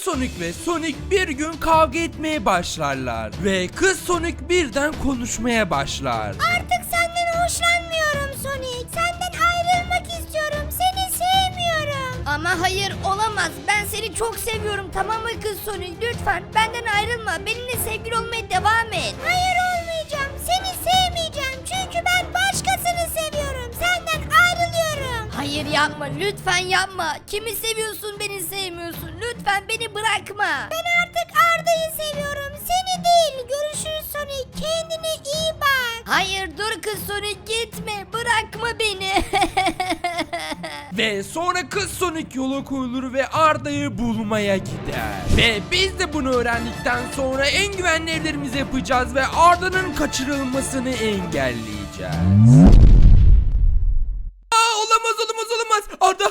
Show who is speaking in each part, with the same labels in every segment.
Speaker 1: Sonic ve Sonic bir gün kavga etmeye başlarlar. Ve kız Sonic birden konuşmaya başlar.
Speaker 2: Artık senden hoşlanmıyorum Sonic. Senden ayrılmak istiyorum. Seni sevmiyorum. Ama hayır olamaz. Ben seni çok seviyorum, tamam mı kız Sonic? Lütfen benden ayrılma. Benimle sevgili olmaya devam et. Hayır olmayacağım. Seni sevmeyeceğim. Çünkü ben başkasını seviyorum. Senden ayrılıyorum. Hayır yapma. Lütfen yapma. Kimi seviyorsun beni sevmiyorsun. Lütfen beni bırakma. Ben artık Arda'yı seviyorum. Seni değil. Görüşürüz Sonic. Kendine iyi bak. Hayır dur kız Sonic, gitme. Bırakma beni.
Speaker 1: Ve sonra kız Sonic yola koyulur ve Arda'yı bulmaya gider. Ve biz de bunu öğrendikten sonra en güvenli evlerimizi yapacağız ve Arda'nın kaçırılmasını engelleyeceğiz. Olamaz.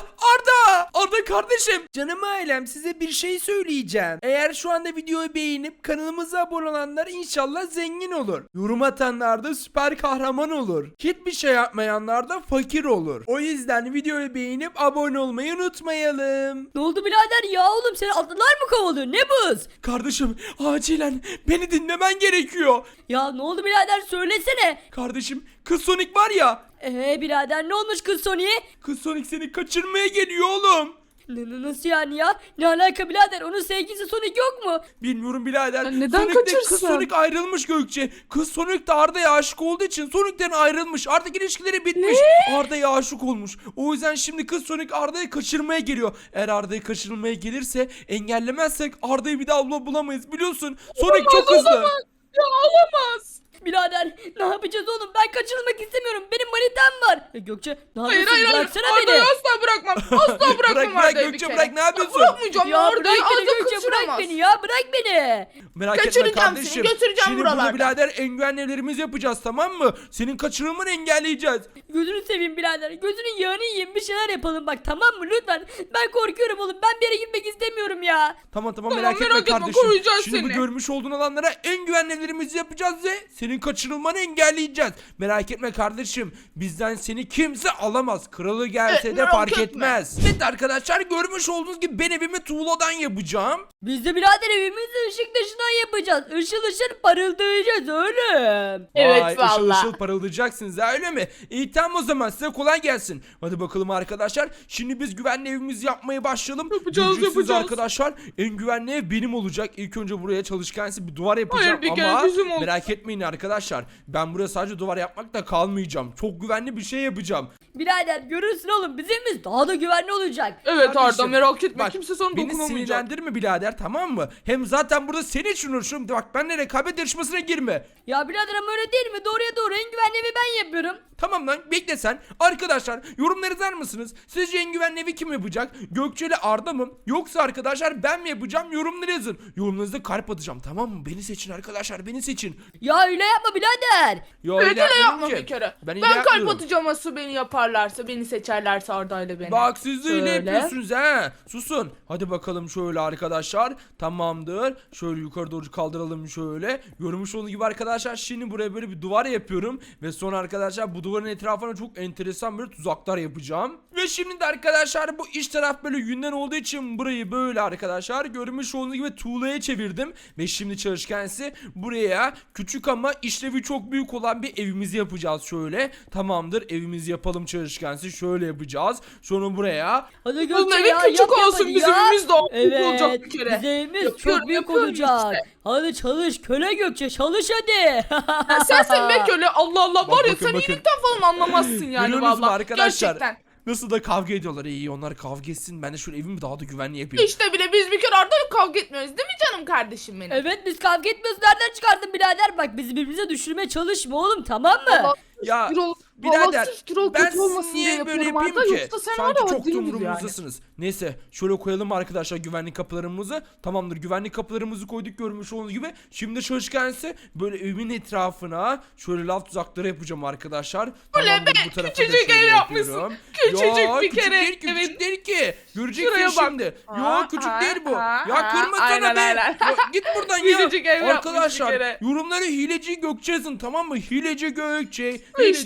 Speaker 1: Arda kardeşim. Canım ailem, size bir şey söyleyeceğim. Eğer şu anda videoyu beğenip kanalımıza abone olanlar inşallah zengin olur. Yorum atanlar da süper kahraman olur. Hiçbir şey yapmayanlar da fakir olur. O yüzden videoyu beğenip abone olmayı unutmayalım.
Speaker 3: Ne oldu birader ya, oğlum seni atlılar mı kovalıyor, ne buz?
Speaker 1: Kardeşim acilen beni dinlemen gerekiyor.
Speaker 3: Ya ne oldu birader, söylesene.
Speaker 1: Kardeşim kız Sonic var ya.
Speaker 3: Birader ne olmuş kız Sony'e?
Speaker 1: Kız Sonic seni kaçırmaya geliyor oğlum.
Speaker 3: Nasıl yani ya? Ne alaka birader, onun sevgilisi Sonic yok mu?
Speaker 1: Bilmiyorum birader.
Speaker 4: Ya neden
Speaker 1: Sonic'le
Speaker 4: kaçırsın?
Speaker 1: Kız Sonic ayrılmış Gökçe. Kız Sonic de Arda'ya aşık olduğu için Sonic'ten ayrılmış. Artık ilişkileri bitmiş. Arda'ya aşık olmuş. O yüzden şimdi Kız Sonic Arda'yı kaçırmaya geliyor. Eğer Arda'yı kaçırmaya gelirse, engellemezsek Arda'yı bir daha bulamayız, biliyorsun. Sonic çok hızlı.
Speaker 4: Ya olamaz.
Speaker 3: Birader ne yapacağız oğlum, ben kaçırılmak istemiyorum, benim manitam var. Gökçe ne
Speaker 4: Hayır
Speaker 3: yapıyorsun,
Speaker 4: hayır.
Speaker 3: bıraksana
Speaker 4: Arda'yı
Speaker 3: beni.
Speaker 4: asla bırakmam. Asla bırakmam
Speaker 1: Bırak
Speaker 4: Arda'yı bir
Speaker 1: Gökçe,
Speaker 4: kere.
Speaker 1: bırak, ne yapıyorsun?
Speaker 4: Bırakmayacağım ya
Speaker 3: Ya bırak
Speaker 4: Arda'yı.
Speaker 3: beni
Speaker 4: Arda
Speaker 3: Gökçe, bırak
Speaker 4: kaçıramaz.
Speaker 3: beni ya, bırak beni.
Speaker 1: Merak etme
Speaker 4: Kaçıracağım
Speaker 1: kardeşim.
Speaker 4: seni, götüreceğim
Speaker 1: Şimdi
Speaker 4: buralardan.
Speaker 1: bunu birader en güvenli evlerimizi yapacağız, tamam mı? Senin kaçırılmanı engelleyeceğiz.
Speaker 3: Gözünü seveyim birader, gözünün yağını yiyeyim, bir şeyler yapalım bak, tamam mı lütfen. Ben korkuyorum oğlum, ben bir yere gitmek istemiyorum ya.
Speaker 1: Tamam
Speaker 4: Tamam,
Speaker 1: merak etme
Speaker 4: merak etme,
Speaker 1: kardeşim.
Speaker 4: koruyacağız
Speaker 1: Şimdi bu
Speaker 4: seni.
Speaker 1: görmüş olduğun alanlara en güvenli evlerimizi yapacağız ve senin kaçırılmanı engelleyeceğiz. Merak etme kardeşim. Bizden seni kimse alamaz. Kralı gelse de
Speaker 4: merak
Speaker 1: fark
Speaker 4: etme.
Speaker 1: etmez. Evet arkadaşlar, görmüş olduğunuz gibi ben evimi tuğladan yapacağım.
Speaker 3: Biz de birader evimizi ışık dışından yapacağız. Işıl ışıl parıldayacağız oğlum.
Speaker 4: Evet,
Speaker 1: Vay,
Speaker 4: valla.
Speaker 1: ışıl ışıl parıldayacaksınız ha, öyle mi? İyi tamam, o zaman size kolay gelsin. Hadi bakalım arkadaşlar. Şimdi biz güvenli evimizi yapmaya başlayalım. Göreceksiniz arkadaşlar. En güvenli ev benim olacak. İlk önce buraya çalışkansı bir duvar yapacağım.
Speaker 4: Hayır, bir kere
Speaker 1: ama
Speaker 4: bizim olsun.
Speaker 1: merak etmeyin arkadaşlar. Ben buraya sadece duvar yapmakla kalmayacağım. Çok güvenli bir şey yapacağım.
Speaker 3: Birader görürsün oğlum, bizim evimiz daha da güvenli olacak.
Speaker 4: Evet Arda,
Speaker 1: Kardeşim,
Speaker 4: merak etme.
Speaker 1: bak,
Speaker 4: Kimse sana
Speaker 1: beni
Speaker 4: dokunamayacak.
Speaker 1: sinirlendirme birader, tamam mı? Hem zaten burada seni için uğraşıyorum. Bak, benimle rekabet yarışmasına girme.
Speaker 3: Ya birader ama öyle değil mi? Doğruya doğru en güvenli evi ben yapıyorum.
Speaker 1: Tamam lan, bekle sen. Arkadaşlar yorumları yazar mısınız? Sizce en güvenli evi kim yapacak? Gökçe ile Arda mı? Yoksa arkadaşlar ben mi yapacağım? Yorumları yazın. Yorumlarınızda kalp atacağım, tamam mı? Beni seçin arkadaşlar, beni seçin.
Speaker 3: Ya öyle yapma birader.
Speaker 1: Ya
Speaker 4: Evet
Speaker 1: öyle
Speaker 4: öyle
Speaker 1: yapmıyorum
Speaker 4: yapma
Speaker 1: ki.
Speaker 4: bir kere.
Speaker 1: Ben
Speaker 4: Ben,
Speaker 1: öyle
Speaker 4: kalp
Speaker 1: yapmıyorum.
Speaker 4: atacağım asıl beni yaparlarsa, beni seçerlerse Arda ile beni.
Speaker 1: Bak siz de öyle
Speaker 3: Şöyle.
Speaker 1: yapıyorsunuz ha. Susun. Hadi bakalım şöyle arkadaşlar. Tamamdır. Şöyle yukarı doğru kaldıralım şöyle. Görmüş olduğunuz gibi arkadaşlar, şimdi buraya böyle bir duvar yapıyorum. Ve sonra arkadaşlar bu duvarın etrafına çok enteresan böyle tuzaklar yapacağım. Ve şimdi de arkadaşlar bu iç taraf böyle yünden olduğu için burayı böyle arkadaşlar görmüş olduğunuz gibi tuğlaya çevirdim. Ve şimdi çalışkensi buraya küçük ama işlevi çok büyük olan bir evimizi yapacağız şöyle. Tamamdır, evimizi yapalım çalışkensi. Şöyle yapacağız. Sonra buraya
Speaker 3: Hadi
Speaker 4: Oğlum
Speaker 3: Gökçe
Speaker 4: evin
Speaker 3: ya,
Speaker 4: küçük
Speaker 3: yap
Speaker 4: olsun,
Speaker 3: hadi
Speaker 4: bizim
Speaker 3: ya.
Speaker 4: evimiz daha büyük
Speaker 3: Evet,
Speaker 4: olacak bir kere.
Speaker 3: bizim evimiz
Speaker 4: Yapıyorum,
Speaker 3: çok büyük
Speaker 4: yapıyorum
Speaker 3: olacak.
Speaker 4: işte.
Speaker 3: Hadi çalış köle Gökçe, çalış hadi.
Speaker 4: Ya sensin be köle, Allah Allah, var ya
Speaker 1: bakın,
Speaker 4: sen
Speaker 1: bakın.
Speaker 4: iyilikten falan anlamazsın yani
Speaker 1: görüyorsunuz mu
Speaker 4: valla.
Speaker 1: arkadaşlar?
Speaker 4: Gerçekten.
Speaker 1: Nasıl da kavga ediyorlar. İyi, onlar kavga etsin. Ben de şöyle evimi daha da güvenli yapayım.
Speaker 4: İşte bile biz bir kere Arda'yla kavga etmiyoruz değil mi canım kardeşim benim?
Speaker 3: Evet biz kavga etmiyoruz, nereden çıkardın birader? Bak bizi birbirimize düşürmeye çalışma oğlum, tamam mı?
Speaker 4: Valla
Speaker 1: Ya
Speaker 4: Gürol,
Speaker 1: birader,
Speaker 4: valla Gürol
Speaker 1: ben
Speaker 4: kötü olmasın diye
Speaker 1: niye böyle
Speaker 4: yapıyorum
Speaker 1: yapayım
Speaker 4: Arda,
Speaker 1: ki?
Speaker 4: yoksa sen
Speaker 1: Sanki
Speaker 4: var ya
Speaker 1: çok
Speaker 4: değil miyiz
Speaker 1: umurumuzdasınız. Neyse şöyle koyalım arkadaşlar güvenlik kapılarımızı. Tamamdır, güvenlik kapılarımızı koyduk görmüş olduğunuz gibi. Şimdi çalışkense böyle evimin etrafına şöyle laf tuzakları yapacağım arkadaşlar. Tamamdır, bu tarafa da
Speaker 4: küçücük
Speaker 1: şöyle
Speaker 4: ev yapmışsın.
Speaker 1: yapıyorum.
Speaker 4: Küçücük
Speaker 1: Ya,
Speaker 4: bir
Speaker 1: küçük
Speaker 4: kere,
Speaker 1: değil ki,
Speaker 4: evet.
Speaker 1: küçük değil ki. Göreceksin
Speaker 4: Şuraya bak.
Speaker 1: şimdi. Ya
Speaker 4: Ha,
Speaker 1: küçük
Speaker 4: ha,
Speaker 1: değil bu.
Speaker 4: ha,
Speaker 1: Ya
Speaker 4: ha.
Speaker 1: kırma sana
Speaker 4: Aynen,
Speaker 1: be.
Speaker 4: aynen.
Speaker 1: Ya, git buradan ya.
Speaker 4: Küçücük ev yapmış bir
Speaker 1: Arkadaşlar
Speaker 4: kere.
Speaker 1: yorumları hileci Gökçe yazın, tamam mı? Hileci Gökçe. Hileci
Speaker 4: İşte bile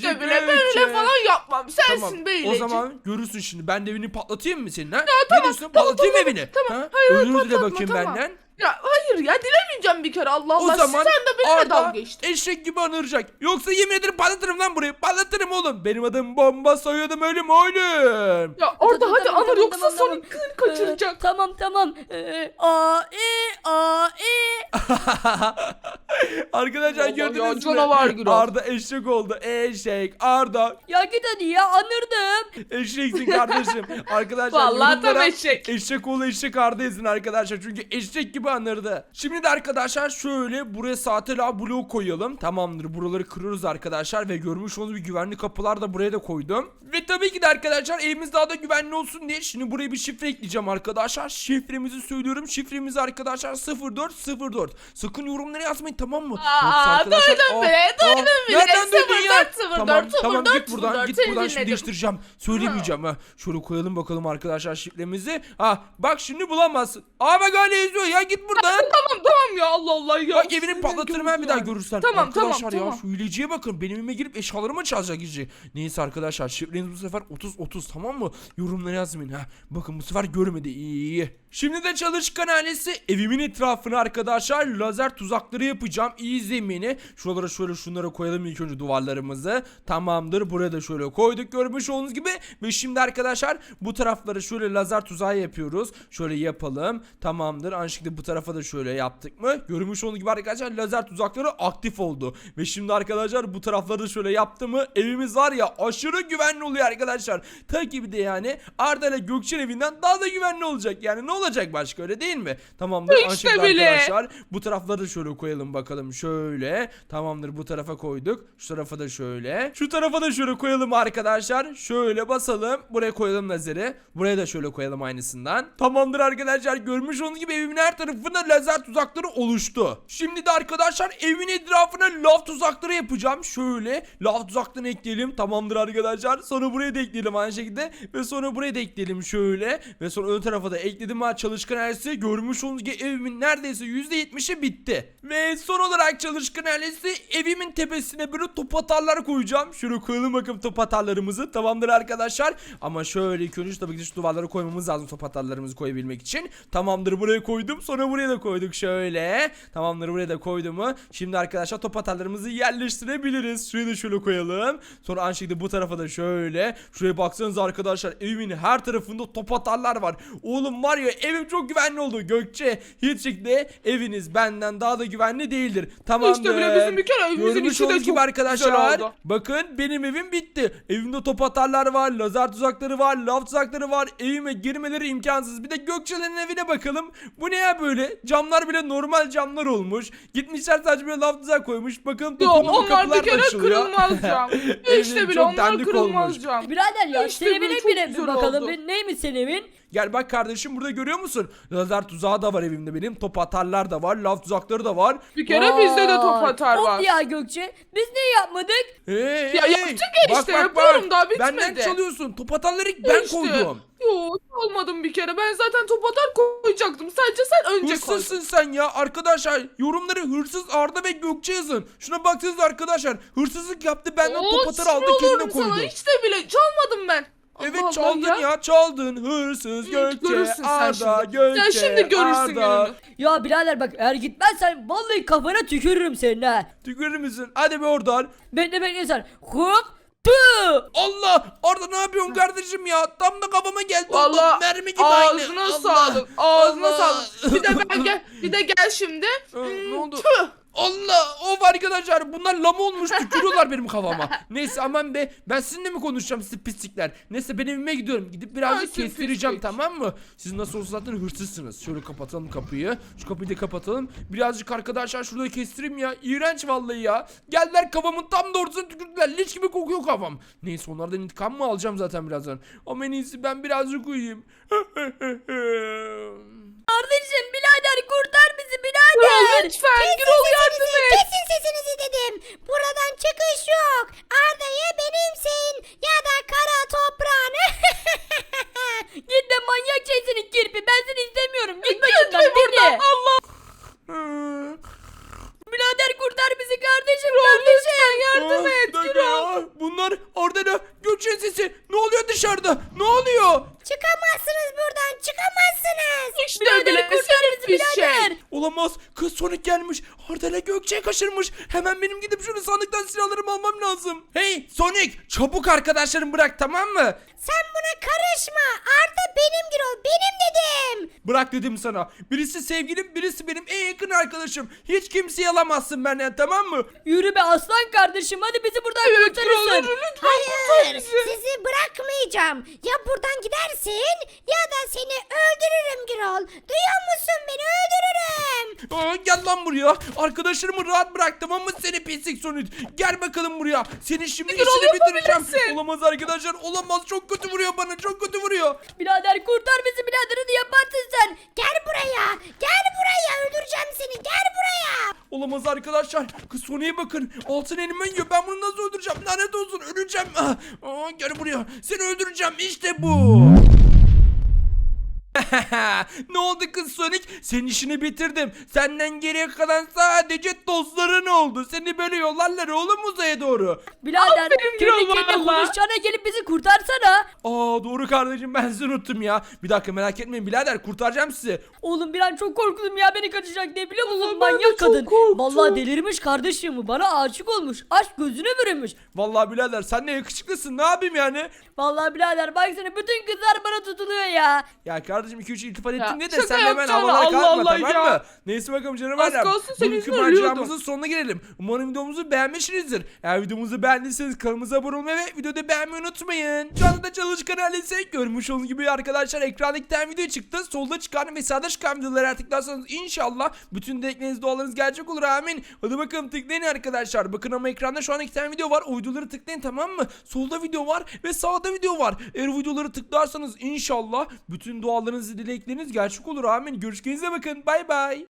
Speaker 4: ben öyle falan yapmam. Sensin
Speaker 1: Tamam.
Speaker 4: be
Speaker 1: O
Speaker 4: hileci.
Speaker 1: zaman görürsün şimdi. Ben de evini patlatayım mı senin ha?
Speaker 4: tamam,
Speaker 1: Ne diyorsun?
Speaker 4: tamam,
Speaker 1: Patlatayım
Speaker 4: tamam,
Speaker 1: evini.
Speaker 4: tamam.
Speaker 1: Ha?
Speaker 4: Hayır,
Speaker 1: Özür dile
Speaker 4: patlatma,
Speaker 1: bakayım
Speaker 4: tamam.
Speaker 1: benden.
Speaker 4: Ya hayır ya, dilemeyeceğim bir kere, Allah
Speaker 1: O
Speaker 4: Allah.
Speaker 1: zaman
Speaker 4: Sen de benimle dalga
Speaker 1: Arda
Speaker 4: geçtin.
Speaker 1: eşek gibi anıracak. Yoksa yemin ederim patlatırım lan burayı. Patlatırım oğlum. Benim adım Bomba, soyadım ölüm oğlum.
Speaker 4: Ya Arda hadi
Speaker 3: Tamam,
Speaker 4: anır,
Speaker 3: tamam,
Speaker 4: yoksa
Speaker 3: tamam,
Speaker 4: Sonic
Speaker 3: tamam.
Speaker 4: kaçıracak.
Speaker 3: Tamam. A.
Speaker 1: Arkadaşlar
Speaker 4: Allah
Speaker 1: gördünüz
Speaker 4: ya,
Speaker 1: mü?
Speaker 4: canavar Gürol.
Speaker 1: Arda eşek oldu. Eşek. Arda
Speaker 3: Ya git hadi ya, anırdım.
Speaker 1: eşeksin kardeşim. Arkadaşlar
Speaker 4: Vallahi tam
Speaker 1: yorumlara
Speaker 4: eşek.
Speaker 1: Eşek oğlu eşek Arda yazın arkadaşlar. Çünkü eşek gibi anırdı. Şimdi de arkadaşlar şöyle buraya sahte lav bloğu koyalım. Tamamdır. Buraları kırıyoruz arkadaşlar. Ve görmüş olduğunuz bir güvenli kapılar da buraya da koydum. Ve tabii ki de arkadaşlar evimiz daha da güvenli olsun diye şimdi buraya bir şifre ekleyeceğim arkadaşlar. Şifremizi söylüyorum. Şifremiz arkadaşlar 0404. Sakın yorumlara yazmayın, tamam mı?
Speaker 4: Duydum bile.
Speaker 1: Nereden duydun ya?
Speaker 4: 0404,
Speaker 1: Tamam
Speaker 4: 0404,
Speaker 1: git buradan. Git
Speaker 4: seni
Speaker 1: buradan şimdi
Speaker 4: dinledim.
Speaker 1: değiştireceğim. Söylemeyeceğim ha. Şöyle koyalım bakalım arkadaşlar şifremizi. Ha bak şimdi bulamazsın. Aa bak hala yazıyor ya, git buradan.
Speaker 4: Tamam ya, Allah Allah ya.
Speaker 1: Bak evini patlatırım ben bir daha görürsen.
Speaker 4: Tamam,
Speaker 1: Arkadaşlar
Speaker 4: tamam.
Speaker 1: ya şu hileciye bakın, benim evime girip eşyalarımı çalacak hici. Neyse arkadaşlar şifreniz bu sefer 30-30, tamam mı? Yorumlara yazmayın ha. Bakın bu sefer görmedi, iyi. Şimdi de çalışkan ailesi evimin etrafına arkadaşlar lazer tuzakları yapacağım. İyi izleyin beni. Şuralara şöyle şunlara koyalım ilk önce duvarlarımızı. Tamamdır, buraya da şöyle koyduk görmüş olduğunuz gibi. Ve şimdi arkadaşlar bu taraflara şöyle lazer tuzağı yapıyoruz. Şöyle yapalım. Tamamdır. Aynı şekilde bu tarafa da şöyle yaptık mı? Görmüş olduğunuz gibi arkadaşlar lazer tuzakları aktif oldu. Ve şimdi arkadaşlar bu tarafları da şöyle yaptı mı evimiz var ya aşırı güvenli oluyor arkadaşlar. Tabii de yani Arda ile Gökçen evinden daha da güvenli olacak. Yani ne olacak başka, öyle değil mi? Tamamdır.
Speaker 4: İşte
Speaker 1: Aynı şekilde
Speaker 4: bile.
Speaker 1: arkadaşlar bu tarafları da şöyle koyalım bakalım. Şöyle. Tamamdır, bu tarafa koyduk. Şu tarafa da şöyle. Şu tarafa da şöyle koyalım arkadaşlar. Şöyle basalım. Buraya koyalım lazeri. Buraya da şöyle koyalım aynısından. Tamamdır arkadaşlar. Görmüş olduğunuz gibi evimin her tarafında lazer tuzakları oluştu. Şimdi de arkadaşlar evin etrafına lav tuzakları yapacağım. Şöyle lav tuzaklarını ekleyelim. Tamamdır arkadaşlar. Sonra buraya da ekleyelim aynı şekilde. Ve sonra buraya da ekleyelim şöyle. Ve sonra ön tarafa da ekledim ha, çalışkan ailesi. Görmüş olduğunuz gibi evimin neredeyse %70'i bitti. Ve son olarak çalışkan ailesi evimin tepesine böyle top atarlar koyacağım. Şöyle koyalım bakalım top atarlarımızı. Tamamdır arkadaşlar. Ama şöyle ilk önce tabii ki şu duvarlara koymamız lazım top atarlarımızı koyabilmek için. Tamamdır, buraya koydum. Sonra buraya da koyduk şöyle. Tamamdır, buraya da koydum mu? Şimdi arkadaşlar top atarlarımızı yerleştirebiliriz. Şuraya da şöyle koyalım. Sonra aynı şekilde bu tarafa da şöyle. Şuraya baksanıza arkadaşlar, evimin her tarafında top atarlar var. Oğlum var ya, evim çok güvenli oldu. Gökçe hiç şekilde eviniz benden daha da güvenli değildir. Tamamdır.
Speaker 4: İşte bile bizim bir kere evimizin
Speaker 1: Görmüş
Speaker 4: içi de
Speaker 1: olduğunuz
Speaker 4: çok
Speaker 1: gibi arkadaşlar.
Speaker 4: güzel oldu.
Speaker 1: Bakın benim evim bitti. Evimde top atarlar var, lazer tuzakları var, lav tuzakları var. Evime girmeleri imkansız. Bir de Gökçe'nin evine bakalım. Bu ne ya böyle? Camlar bile normal camlar olmuş. Gitmişler sadece böyle lav tuzak koymuş. Bakalım
Speaker 4: Yok,
Speaker 1: toplama
Speaker 4: onlar
Speaker 1: kapılar
Speaker 4: bir kere
Speaker 1: açılıyor.
Speaker 4: kırılmaz cam.
Speaker 1: Evim
Speaker 4: İşte bile
Speaker 1: çok
Speaker 4: onlar
Speaker 1: dandik
Speaker 4: kırılmaz
Speaker 1: olmuş.
Speaker 4: cam.
Speaker 3: Birader ya,
Speaker 4: İşte
Speaker 3: senin
Speaker 4: böyle
Speaker 3: evine
Speaker 4: çok
Speaker 3: bir
Speaker 4: güzel
Speaker 3: bakalım.
Speaker 4: oldu.
Speaker 3: Neymiş senin evin?
Speaker 1: Gel bak kardeşim, burada görüyor musun? Lazer tuzağı da var evimde benim. Top atarlar da var. Lav tuzakları da var.
Speaker 4: Bir kere bizde de top
Speaker 3: Vay.
Speaker 4: atar var.
Speaker 3: Of ya Gökçe, biz niye yapmadık?
Speaker 1: Hey,
Speaker 4: Ya yaptık ya işte, yapıyorum, daha bitmedi.
Speaker 1: Benden çalıyorsun. Top atarları ben
Speaker 4: İşte.
Speaker 1: koydum.
Speaker 4: Yo, olmadım bir kere. Ben zaten top atar koyacaktım. Sadece sen önce koydun.
Speaker 1: Hırsızsın sen ya arkadaşlar. Yorumları hırsız Arda ve Gökçe yazın. Şuna baksanıza arkadaşlar. Hırsızlık yaptı, benden top atar aldı,
Speaker 4: sinir
Speaker 1: kendine
Speaker 4: olurum
Speaker 1: koydu.
Speaker 4: sana. İşte bile çalmadım ben.
Speaker 1: Evet
Speaker 4: Allah
Speaker 1: çaldın
Speaker 4: Allah
Speaker 1: ya. Çaldın. Hırsız Gökçe,
Speaker 4: Görürsün sen
Speaker 1: Arda,
Speaker 4: şimdi.
Speaker 1: Gökçe,
Speaker 4: Sen şimdi görürsün
Speaker 1: Arda.
Speaker 4: gününü.
Speaker 3: Ya birader bak, eğer gitmezsen vallahi kafana tükürürüm senin ha.
Speaker 1: Tükürür müsün? Hadi be oradan.
Speaker 3: Bekle sen. Hop. Tü.
Speaker 1: Allah! Arda ne yapıyorsun kardeşim ya? Tam da kafama geldi.
Speaker 4: Valla
Speaker 1: mermi gibi aynı.
Speaker 4: ağzına
Speaker 1: Allah!
Speaker 4: sağlık. Ağzına
Speaker 1: Allah!
Speaker 4: sağlık. Bir de ben gel. Bir de gel şimdi.
Speaker 1: Ne oldu?
Speaker 4: Tüh.
Speaker 1: Allah! Of arkadaşlar, bunlar lama olmuş, tükürüyorlar benim kafama. Neyse aman be, ben sizinle mi konuşacağım siz pislikler? Neyse ben evime gidiyorum. Gidip birazcık
Speaker 4: Ay, siz
Speaker 1: kestireceğim,
Speaker 4: pislik.
Speaker 1: tamam mı? Siz nasıl olsa zaten hırsızsınız. Şöyle kapatalım kapıyı. Şu kapıyı da kapatalım. Birazcık arkadaşlar şurada kestireyim ya. İğrenç vallahi ya. Geldiler kafamın tam da ortasına tükürdüler. Leş gibi kokuyor kafam. Neyse onlardan intikam mı alacağım zaten birazdan. Ama en iyisi ben birazcık uyuyayım.
Speaker 3: Kardeşim, birader kurtar bizi birader.
Speaker 4: Lütfen Gürol yardım et.
Speaker 2: Kesin sesinizi dedim. Buradan çıkış yok. Arda'yı benimsin. Ya da kara toprağını.
Speaker 3: Git de manyak şeysini kirpi, ben seni istemiyorum. Git
Speaker 4: Gitme
Speaker 3: başımdan
Speaker 4: buradan.
Speaker 3: beni.
Speaker 4: Allah.
Speaker 3: Birader kurtar bizi bizi kardeşim
Speaker 4: Lütfen yardım
Speaker 1: Aa,
Speaker 4: et
Speaker 1: bir dakika
Speaker 4: Gürol.
Speaker 1: ya. Bunlar orada ne? Gökçe'nin sesi. Ne oluyor dışarıda? Ne oluyor?
Speaker 2: Çıkamazsınız buradan, çıkamazsınız.
Speaker 4: İşte
Speaker 3: Birader
Speaker 4: bile
Speaker 3: kurtar bizi
Speaker 4: bir şey.
Speaker 3: birader.
Speaker 1: Olamaz. Kız Sonic gelmiş. Arda ile Gökçe'yi kaçırmış. Hemen benim gidip şunu sandıktan silahlarımı almam lazım. Hey Sonic, çabuk arkadaşlarımı bırak, tamam mı?
Speaker 2: Sen buna karışma. Arda benim Gürol, benim dedim.
Speaker 1: Bırak dedim sana. Birisi sevgilim, birisi benim en yakın arkadaşım. Hiç kimseyi alamazsın benden, tamam mı?
Speaker 3: Yürü be aslan kardeşim hadi bizi buradan
Speaker 4: Evet Gürol
Speaker 3: kurtarırsın.
Speaker 4: yürü lütfen
Speaker 2: Hayır,
Speaker 4: kurtar bizi.
Speaker 2: sizi bırakmayacağım. Ya buradan gidersin ya da seni öldürürüm Gürol. Duyuyor musun beni, öldürürüm.
Speaker 1: Aa, gel lan buraya. Arkadaşlarımı rahat bırak, tamam mı seni pislik Sonic? Gel bakalım buraya. Seni şimdi
Speaker 4: Gürol,
Speaker 1: işini bitireceğim.
Speaker 4: yapabilirsin.
Speaker 1: Olamaz arkadaşlar, olamaz. Çok kötü vuruyor bana, çok kötü vuruyor.
Speaker 3: Birader kurtar bizi birader hadi yaparsın sen.
Speaker 2: Gel buraya, gel buraya, öldüreceğim seni, gel buraya.
Speaker 1: Olamaz arkadaşlar. Kız Sonic'e bakın. Altın elime yiyor. Ben bunu nasıl öldüreceğim? Lanet olsun, öleceğim. Gel buraya. Seni öldüreceğim. İşte bu. Ne oldu kız Sonic? Senin işini bitirdim. Senden geriye kalan sadece tozların oldu. Seni böyle yollarlar oğlum uzaya doğru.
Speaker 3: Birader
Speaker 4: Aferin
Speaker 3: kendi
Speaker 4: Gürol
Speaker 3: kendine
Speaker 4: valla.
Speaker 3: konuşacağına gelip bizi kurtarsana.
Speaker 1: Aa doğru kardeşim, ben sizi unuttum ya. Bir dakika, merak etmeyin birader, kurtaracağım sizi.
Speaker 3: Oğlum bir an çok korktum ya beni kaçacak diye biliyor musun?
Speaker 4: Vallahi ben de
Speaker 3: Manyak
Speaker 4: çok
Speaker 3: kadın.
Speaker 4: korktum.
Speaker 3: Vallahi delirmiş kardeşim bu. Bana aşık olmuş. Aşk gözüne bürümüş.
Speaker 1: Vallahi birader sen ne yakışıklısın, ne yapayım yani?
Speaker 3: Vallahi birader baksana bütün kızlar bana tutuluyor ya.
Speaker 1: Ya kardeşim 2-3 iltifat
Speaker 4: Ya,
Speaker 1: ettin diye de
Speaker 4: şaka
Speaker 1: sen de hemen
Speaker 4: yapacağına,
Speaker 1: havalara
Speaker 4: Allah
Speaker 1: kalkma,
Speaker 4: Allah
Speaker 1: tamam
Speaker 4: ya.
Speaker 1: mı? Neyse bakalım canım
Speaker 4: Az
Speaker 1: ailem.
Speaker 4: kalsın senin
Speaker 1: Bugünkü
Speaker 4: yüzünden
Speaker 1: maceramızın
Speaker 4: ölüyordum.
Speaker 1: sonuna gelelim. Umarım videomuzu beğenmişsinizdir. Eğer videomuzu beğendiyseniz kanalımıza abone olmayı ve videoda beğenmeyi unutmayın. Şu anda da çalışkan ailesi görmüş olduğunuz gibi arkadaşlar, ekranda iki tane video çıktı. Solda çıkan ve sağda çıkan videoları tıklarsanız inşallah bütün dilekleriniz, dualarınız gerçek olur, amin. Hadi bakalım tıklayın arkadaşlar. Bakın ama ekranda şu an iki tane video var. O videoları tıklayın, tamam mı? Solda video var ve sağda video var. Eğer o videoları tıklarsanız inşallah bütün dualarınız, dilekleriniz gerçek olur, amin. Görüşürüz, bakın, bay bay.